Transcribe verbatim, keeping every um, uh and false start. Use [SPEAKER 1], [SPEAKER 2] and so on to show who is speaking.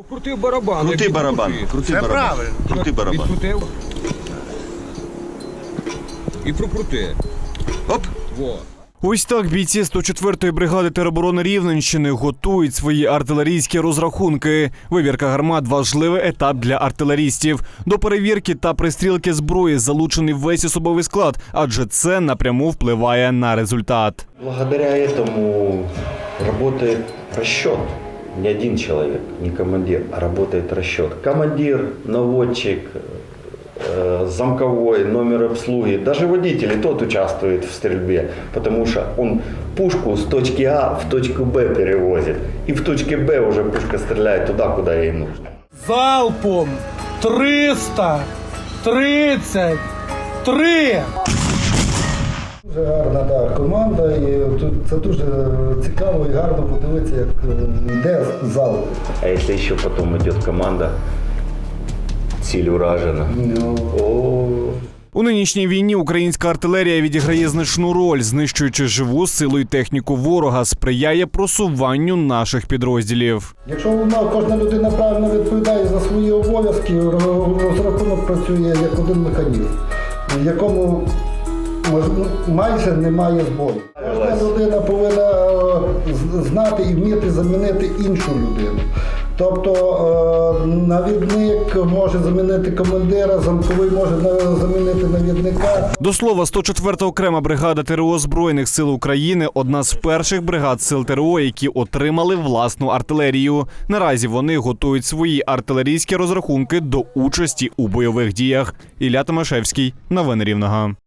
[SPEAKER 1] Крути барабан.
[SPEAKER 2] Крути барабан. Крути барабан.
[SPEAKER 3] правильно.
[SPEAKER 2] Крути барабан.
[SPEAKER 1] Відкрутив. І прокрути.
[SPEAKER 2] Оп.
[SPEAKER 1] Во.
[SPEAKER 4] Ось так бійці сто четвертої бригади тероборони Рівненщини готують свої артилерійські розрахунки. Вивірка гармат – важливий етап для артилерістів. До перевірки та пристрілки зброї залучений весь особовий склад, адже це напряму впливає на результат.
[SPEAKER 5] Благодаря этому работает расчет. Не один человек, не командир, а работает расчет. Командир, наводчик, э, замковой, номер обслуги, даже водитель, и тот участвует в стрельбе, потому что он пушку с точки А в точку Б перевозит. И в точке Б уже пушка стреляет туда, куда ей нужно.
[SPEAKER 3] Залпом триста тридцять три.
[SPEAKER 6] Дуже гарна да, команда, і тут це дуже цікаво і гарно подивитися, як йде зал.
[SPEAKER 5] А если еще потом идет команда, ціль уражена.
[SPEAKER 6] Ну,
[SPEAKER 5] О,
[SPEAKER 4] У нинішній війні українська артилерія відіграє значну роль, знищуючи живу силу і техніку ворога, сприяє просуванню наших підрозділів.
[SPEAKER 6] якщо вона, кожна людина правильно відповідає за свої обов'язки, розрахунок працює як один механізм, в якому майже немає збою. Кожна людина повинна е, знати і вміти замінити іншу людину. Тобто е, навідник може замінити командира, замковий може замінити навідника.
[SPEAKER 4] До слова, сто четверта окрема бригада ТРО Збройних сил України – одна з перших бригад сил ТРО, які отримали власну артилерію. Наразі вони готують свої артилерійські розрахунки до участі у бойових діях. Ілля Томашевський. Новини Рівного.